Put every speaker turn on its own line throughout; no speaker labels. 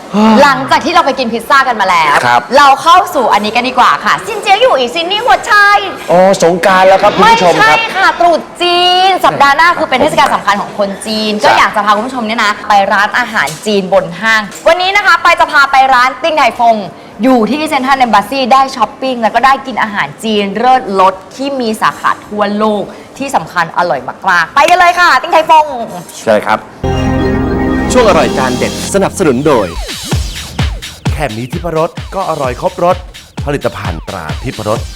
หลังจากที่เราไปกินพิซซ่ากันมาแล้วเราเข้าสู่อันนี้กันดีกว่าค่ะซินเจียอยู่อีกซินนี่หัวใจ
อ๋อสงกรานต์แล้วครับคุณผู้ชมครับ
ไม่ใช่ค่ะตรุษจีนสัปดาห์หน้าคือเป็นเทศกาลสำคัญของคนจีนก็อยากจะพาคุณผู้ชมเนี่ยนะไปร้านอาหารจีนบนห้างวันนี้นะคะไปจะพาไปร้านติ้งไทฟงอยู่ที่เซ็นทรัลเอมบาซีได้ช้อปปิ้งแล้วก็ได้กินอาหารจีนเลิศรสที่มีสาขาทั่วโลกที่สำคัญอร่อยมากๆไปกันเลยค่ะติ้งไทฟง
ใช่ครับ
ช่วงอร่อยจานเด็ดสนับสนุนโดยแค่มีทิพรสก็อร่อยครบรสผลิตภัณฑ์ตราทิพรส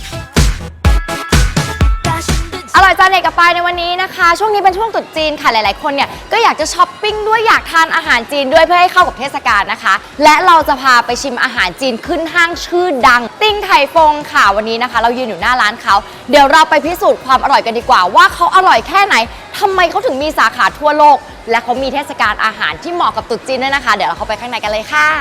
อร่อยจานเด็ดกับปายในวันนี้นะคะช่วงนี้เป็นช่วงตรุษจีนค่ะหลายๆคนเนี่ยก็อยากจะช้อปปิ้งด้วยอยากทานอาหารจีนด้วยเพื่อให้เข้ากับเทศกาลนะคะและเราจะพาไปชิมอาหารจีนขึ้นห้างชื่อดังติ้งไทฟงค่ะวันนี้นะคะเรายืนอยู่หน้าร้านเขาเดี๋ยวเราไปพิสูจน์ความอร่อยกันดีกว่าว่าเขาอร่อยแค่ไหนทำไมเขาถึงมีสาขาทั่วโลกและเขามีเทศกาลอาหารที่เหมาะกับตรุษจีนด้วยนะคะเดี๋ยวเราเข้าไปข้างในกันเลยค่ะ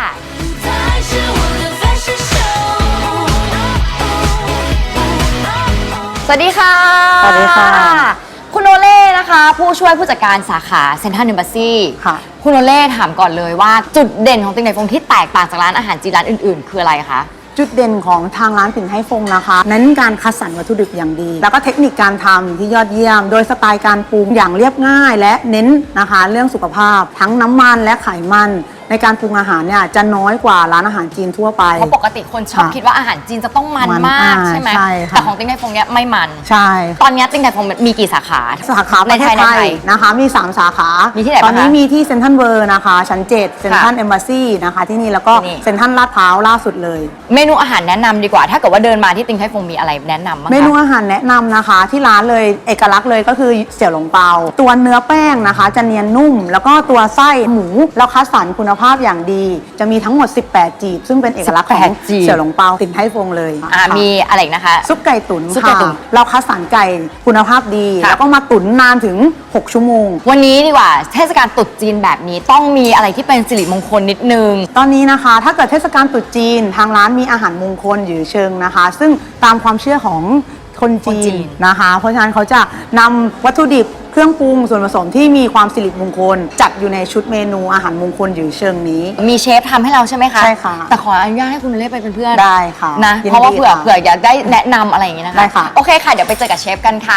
สวัสดีค่ะ
สวัสดีค่ะ
คุณโอเล่นะคะผู้ช่วยผู้จัดการสาขาเซ็นทรัลเอมบาซี
ค่ะ
คุณโอเล่ถามก่อนเลยว่าจุดเด่นของติ้งไทฟงที่แตกต่างจากร้านอาหารจีนร้านอื่นๆคืออะไรคะ
จุดเด่นของทางร้านปิ่นไทฟงนะคะเน้นการคัดสรรวัตถุดิบอย่างดีแล้วก็เทคนิคการทำที่ยอดเยี่ยมโดยสไตล์การปรุงอย่างเรียบง่ายและเน้นนะคะเรื่องสุขภาพทั้งน้ำมันและไขมันในการปรุงอาหารเนี่ยจะน้อยกว่าร้านอาหารจีนทั่วไป
เพราะปกติคนชอบคิดว่าอาหารจีนจะต้องมันมากใช่ไหมแต่ของติ้งไทฟงเนี่ยไม่มัน
ใช่
ตอนนี้ติ้งไทฟงมีกี่สาขา
ในไทยนะคะมี3สาขา
มีที่ไหน
ตอนนี้มีที่เซ็นทรัลเวิร์นะคะชั้น7เซ็นทรัลเอมบาซีนะคะที่นี่แล้วก็เซ็นทรัลลาดพร้าวล่าสุดเลย
เมนูอาหารแนะนำดีกว่าถ้าเกิดว่าเดินมาที่ติ้งไทฟงมีอะไรแนะนำบ้าง
เมนูอาหารแนะนำนะคะที่ร้านเลยเอกลักษณ์เลยก็คือเสี่ยวหลงเปาตัวเนื้อแป้งนะคะจะเนียนนุ่มแล้วก็ตัวไส้หมูแล้วคัดสรรคุณภาพอย่างดีจะมีทั้งหมด18จีบซึ่งเป็นเอกลักษณ์ของเสี่ยวหลงเปาติ่นไทฟงเลย
มีอะไรนะคะ
ซุปไก่ตุ๋นค่ะเราคัดสรรไก่คุณภาพดีแล้วก็มาตุ๋นนานถึง6ชั่วโมง
วันนี้ดีกว่าเทศกาลตรุษจีนแบบนี้ต้องมีอะไรที่เป็นสิริมงคลนิดนึง
ตอนนี้นะคะถ้าเกิดเทศกาลตรุษจีนทางร้านมีอาหารมงคลอยู่เชิงนะคะซึ่งตามความเชื่อของคนจีนนะคะเพราะฉะนั้นเขาจะนำวัตถุดิบเครื่องปรุงส่วนผสมที่มีความสิริมงคลจัดอยู่ในชุดเมนูอาหารมงคลอยู่เชิงนี้
มีเชฟทำให้เราใช่ไหมคะ
ใช่ค่ะ
แต่ขออนุญาตให้คุณเล่ไปเป็นเพื่อน
ได้ค่ะ
นะเพราะว่าเผื่ออยากได้แนะนำอะไรอย่างนี้นะคะ
ได้ค่ะ
โอเคค่ะเดี๋ยวไปเจอกับเชฟกันค่ะ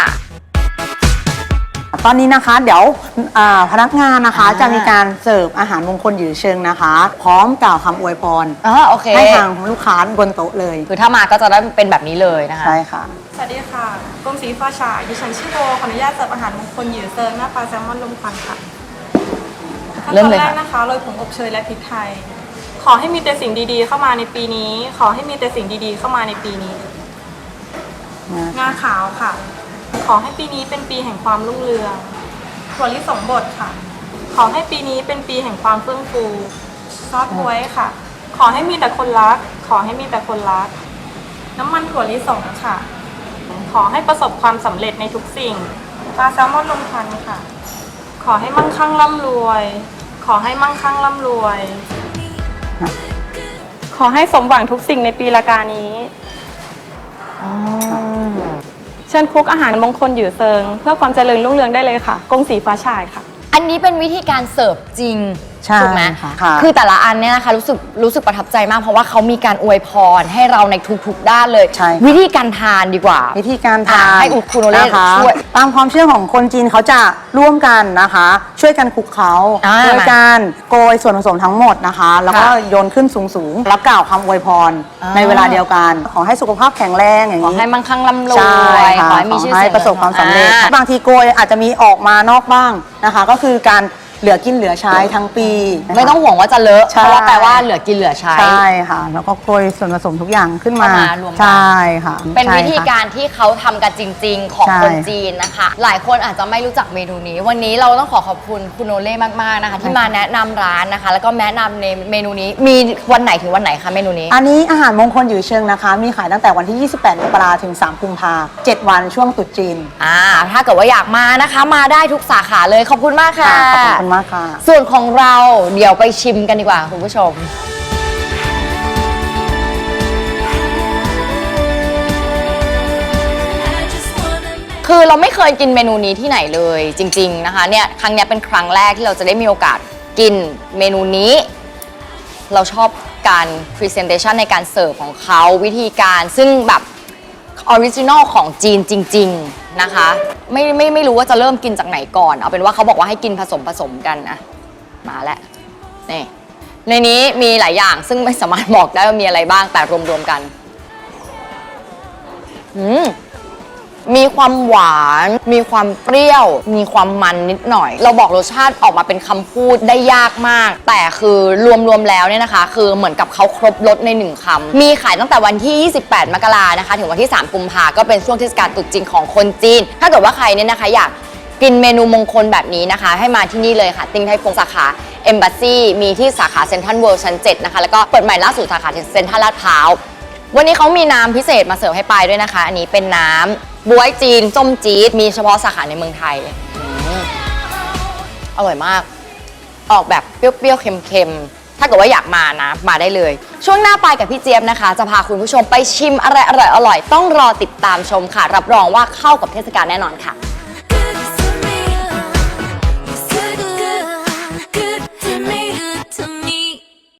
ตอนนี้นะคะเดี๋ยวพนักงานนะคะจะมีการเสิร์ฟอาหารมงคลอยู่เชิงนะคะพร้อมกล่าวคำอวยพร
โอเค
ให้ทางลูกค้าบนโต๊ะเลย
คือถ้ามาก็จะได้เป็นแบบนี้เลยนะคะ
ใช่ค่ะ
สวัสดีค่ะกรมศรีฟ้าฉายดิฉันชื่อโบขออนุญาตเสิร์ฟอาหารมงคลหยือเซิงหน้าปลาแซลมอนลมควันค่ะขั้นตอนแรกนะคะโรยผงอบเชยและพริกไทยขอให้มีแต่สิ่งดีๆเข้ามาในปีนี้ขอให้มีแต่สิ่งดีๆเข้ามาในปีนี้งาขาวค่ะขอให้ปีนี้เป็นปีแห่งความรุ่งเรืองถั่วลิสงบดค่ะขอให้ปีนี้เป็นปีแห่งความเฟื่องฟูซอสบ๊วยค่ะขอให้มีแต่คนรักขอให้มีแต่คนรักน้ำมันถั่วลิสงค่ะขอให้ประสบความสำเร็จในทุกสิ่งปลาแซลมอนลมควันค่ะขอให้มั่งคั่งร่ำรวยขอให้มั่งคั่งร่ำรวยขอให้สมหวังทุกสิ่งในปีละกานี้เชิญคุกอาหารมงคลหยือเซิงเพื่อความเจริญรุ่งเรืองได้เลยค่ะกงสีฟ้าฉายค่ะ
อันนี้เป็นวิธีการเสิร์ฟจริงถูกไหม
ค่ะ
คือแต่ละอันเนี่ยนะคะรู้สึกประทับใจมากเพราะว่าเขามีการอวยพรให้เราในทุกๆด้านเลยวิธีการทานดีกว่า
วิธีการทาน
ให้คุณโอเล่ช่วย
ตามความเชื่อของคนจีนเขาจะร่วมกันนะคะช่วยกันคลุกเคล้าโดยการโกยส่วนผสมทั้งหมดนะคะแล้วก็โยนขึ้นสูงๆแล้วกล่าวคำอวยพรในเวลาเดียวกันขอให้สุขภาพแข็งแรงอย่างนี้
ขอให้มั่งคั่งร่ำรวยขอให้มีชื่อเสียง
ประสบความสำเร็จบางทีโกยอาจจะมีออกมานอกบ้างนะคะก็คือการเหลือกินเหลือใช้ทั้งปี
ไม่ต้องห่วงว่าจะเลอะเพราะว่าแปลว่าเหลือกินเหลือใช้
ใช่ค่ะแล้วก็โกยส่วนผสมทุกอย่างขึ้นมาร
วมกัน
ใช่ค่ะ
เป็นวิธีการที่เขาทำกันจริงๆของคนจีนนะคะหลายคนอาจจะไม่รู้จักเมนูนี้วันนี้เราต้องขอบคุณคุณโอเล่มากๆนะคะที่มาแนะนำร้านนะคะแล้วก็แนะนำในเมนูนี้มีวันไหนถึงวันไหนคะเมนูนี้
อันนี้อาหารมงคลอยู่เชิงนะคะมีขายตั้งแต่วันที่28 มกราคมถึง3 กุมภาพันธ์7 วันช่วงตรุษจีน
ถ้าเกิดว่าอยากมานะคะมาได้ทุกสาขาเลยขอบคุณมากค่ะ
ขอบคุณมากค่ะ
ส่วนของเราเดี๋ยวไปชิมกันดีกว่าคุณผู้ชมคือเราไม่เคยกินเมนูนี้ที่ไหนเลยจริงๆนะคะเนี่ยครั้งนี้เป็นครั้งแรกที่เราจะได้มีโอกาสกินเมนูนี้เราชอบการ presentation ในการเสิร์ฟของเขาวิธีการซึ่งแบบออริจินอลของจีนจริงๆนะคะไม่รู้ว่าจะเริ่มกินจากไหนก่อนเอาเป็นว่าเขาบอกว่าให้กินผสมกันนะมาแล้วนี่ในนี้มีหลายอย่างซึ่งไม่สามารถบอกได้ว่ามีอะไรบ้างแต่รวมๆกันมีความหวานมีความเปรี้ยวมีความมันนิดหน่อยเราบอกรสชาติออกมาเป็นคำพูดได้ยากมากแต่คือรวมๆแล้วเนี่ยนะคะคือเหมือนกับเขาครบรสใน1คำมีขายตั้งแต่วันที่28มกรานะคะถึงวันที่3กุมภาก็เป็นช่วงเทศกาลตรุษจีนของคนจีนถ้าเกิดว่าใครเนี่ยนะคะอยากกินเมนูมงคลแบบนี้นะคะให้มาที่นี่เลยค่ะติ้งไทฟงสาขา Embassy มีที่สาขาเซ็นทรัลเวิลด์ชั้น7นะคะแล้วก็เปิดใหม่ล่าสุดสาขาเซ็นทรัลลาดพร้าววันนี้เขามีน้ำพิเศษมาเสิร์ฟให้ปายด้วยนะคะอันนี้เป็นน้ำบ๊วยจีนส้มจี๊ดมีเฉพาะสาขาในเมืองไทยอร่อยมากออกแบบเปรี้ยวๆเค็มๆถ้าเกิดว่าอยากมานะมาได้เลยช่วงหน้าปายกับพี่เจี๊ยบนะคะจะพาคุณผู้ชมไปชิมอะไรอร่อยๆต้องรอติดตามชมค่ะรับรองว่าเข้ากับเทศกาลแน่นอนค่ะ